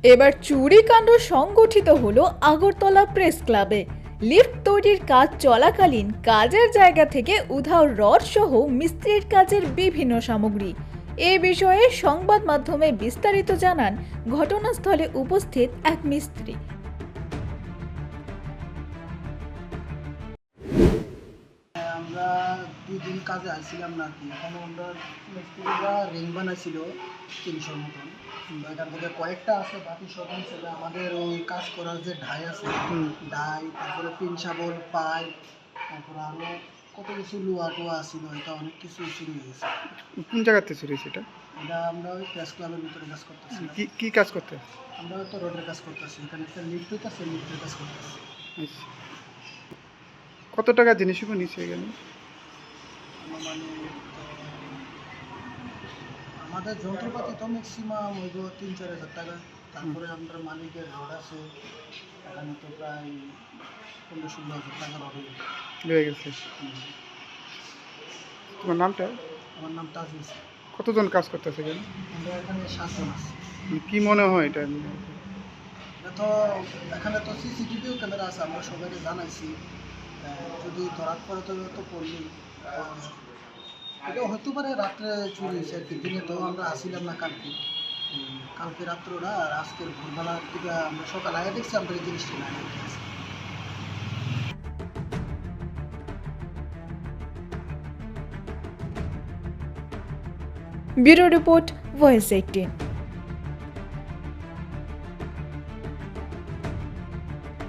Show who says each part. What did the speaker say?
Speaker 1: এবার চুরিকাণ্ড সংগঠিত হলো আগরতলা প্রেস ক্লাবে। লিফট তৈরির কাজ চলাকালীন কাজের জায়গা থেকে উধাও রড সহ মিস্ত্রির কাজের বিভিন্ন সামগ্রী। এ বিষয়ে সংবাদ মাধ্যমে বিস্তারিত জানান ঘটনাস্থলে উপস্থিত এক মিস্ত্রি।
Speaker 2: আমরা 2 দিন কাজে আসছিলাম না কি, এখন আমরা মিস্ত্রিরা রিং বানাইছিল 300 মতন। এখান থেকে কয়েকটা আছে, বাকি সব ছিল আমাদের ওই কাজ করার যে ঢাই আছে, ঢাই, তারপরে পিন শাবল, পাইপ, তারপরে আরও কত কিছু লোহা টোয়া ছিল, এটা অনেক কিছু চুরি হয়ে গেছে।
Speaker 3: কোন জায়গাতে চুরি হয়েছে এটা?
Speaker 2: এটা আমরা ওই প্রেস ক্লাবের ভিতরে কাজ করতেছি।
Speaker 3: কি কাজ করতে?
Speaker 2: আমরা হয়তো রোডের কাজ করতেছি, এখানে একটা লিফট হইতেছে, লিফটের কাজ করতেছি।
Speaker 3: আচ্ছা। কত টাকা জিনিসগুলো নিচে গেল?
Speaker 2: মানে আমাদের যন্ত্রপাতি তো ম্যাক্সিমাম হইব 3-4 হাজার টাকা। তারপরে আমরা মালিকের রড আছে, এখানে তো প্রায় 15-16 হাজার টাকা রড
Speaker 3: হয়ে গেছে। তোমার নামটা?
Speaker 2: আমার নাম তাজুল।
Speaker 3: কতজন কাজ করতেছে এখানে?
Speaker 2: আমরা এখানে 7 জন আছি।
Speaker 3: কি মনে হয় এটা?
Speaker 2: এটা তো এখানে তো সিসিটিভিও ক্যামেরা আছে, আমরা সবাইকে জানাইছি। যদি ধরার পরে তো পড়লেই এটা হতে পারে রাত্রে চুরি হয়েছে আর কি। দিনে তো আমরা আসিলাম না কালকে রাত্রটা, আর আজকের ভোরবেলার দিকে আমরা সকালে আগে দেখছি আমরা এই জিনিসটা না।
Speaker 1: Bureau report, voice 18।